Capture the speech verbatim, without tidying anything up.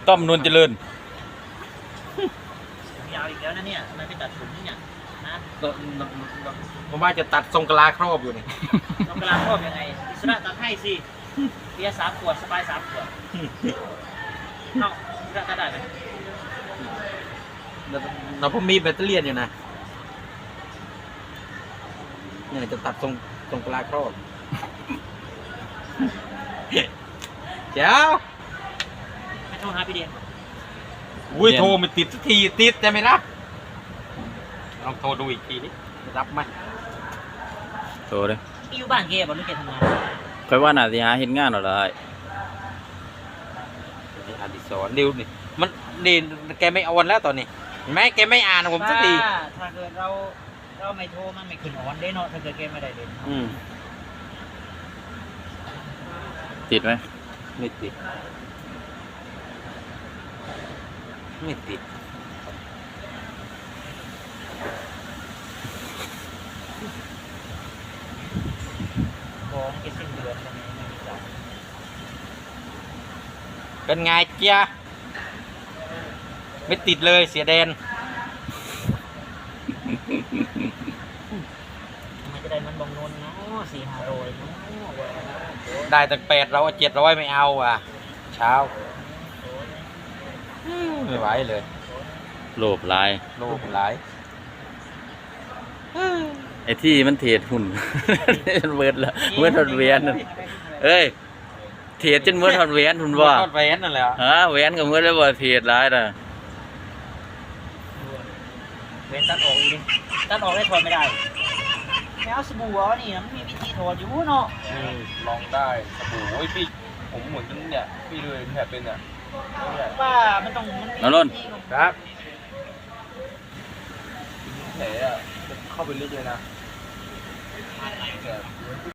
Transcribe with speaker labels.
Speaker 1: ต้อมนวลเจริญ
Speaker 2: ยาวอีกแล้วนะเนี่ยมันไม่ตัดผมเนี่ยนะ
Speaker 1: ผมว่าจะตัดทรงกะลาครอบอยู่นี่
Speaker 2: เรากำลังครอบยังไงอิสระตัดให้สิเบียร์สามขวดสบายสามขวดเอาอิสระตัดได้ไหม
Speaker 1: เราผมมีแบตเตอรี่อยู่นะเนี่ยจะตัดทรงทรงกะลาครอบเจ้า
Speaker 2: ไม่โทรหาพี่เดียน
Speaker 1: อุ้ยโทรไม่ติดสักทีติดแต่ไม่รับลองโทรดูอีกทีนี้รับไหม
Speaker 3: โทรเลย
Speaker 2: อยู่บ้านแกบอกลูกแกทำงาน
Speaker 3: ค่อยว่าน่าสิหาเฮ็ดงานเอาได้
Speaker 1: อดิศรดิวนี่มันนี่แกไม่ออนแล้วตอนนี้เห็นไหมแกไม่อ่านผมสักที
Speaker 2: ถ้าเกิดเราเราไม่โทรมันไม่ขึ้นออนได้เนาะถ้าเกิดแกไม่ได้เด่น
Speaker 3: อืมติดไหม
Speaker 1: ไม่ติดไม่ติด
Speaker 2: ของแกสิ้นเดือนจะมีไม่มีจ่าย
Speaker 1: เป็นไงเจ้าไม่ติดเลยเสียแดน
Speaker 2: มันจะได้มันบงนนเนาะสี่ห้าโรยเนาะ
Speaker 1: ได้ตั้งแปดเราเจ็ดร้อยไม่เอาอ่ะเช้าไม่ไหวเลย
Speaker 3: โลภหลาย
Speaker 1: โลภหลาย
Speaker 3: ไอ้ที่มันเทรดหุ่นเบิดละเมื่อทอดเวียนเอ้ยเทรดจนเมื่อทอดเวียนหุ่นว่า
Speaker 1: ทอดแหวนนั่นแหละ
Speaker 3: ฮะเวียนกับเมื่อได้บ่เทรดหลายน่ะ
Speaker 2: เว้นตัดออกอีกตัดออกได้ถอดไม่ได้ไม่เอาสบู่อ๋อนี่มันมีวิธีถอดอยู่เนาะ
Speaker 4: ลองได้สบู่โอ้ยพี่ผมเหมือนกันเนี่ยพี่เลยแผลเป็นอ่ะ
Speaker 2: ว่ามันต้องมัน
Speaker 3: นรน
Speaker 1: ครับ
Speaker 4: แผลอ่ะเข้าไปลึกเลยนะ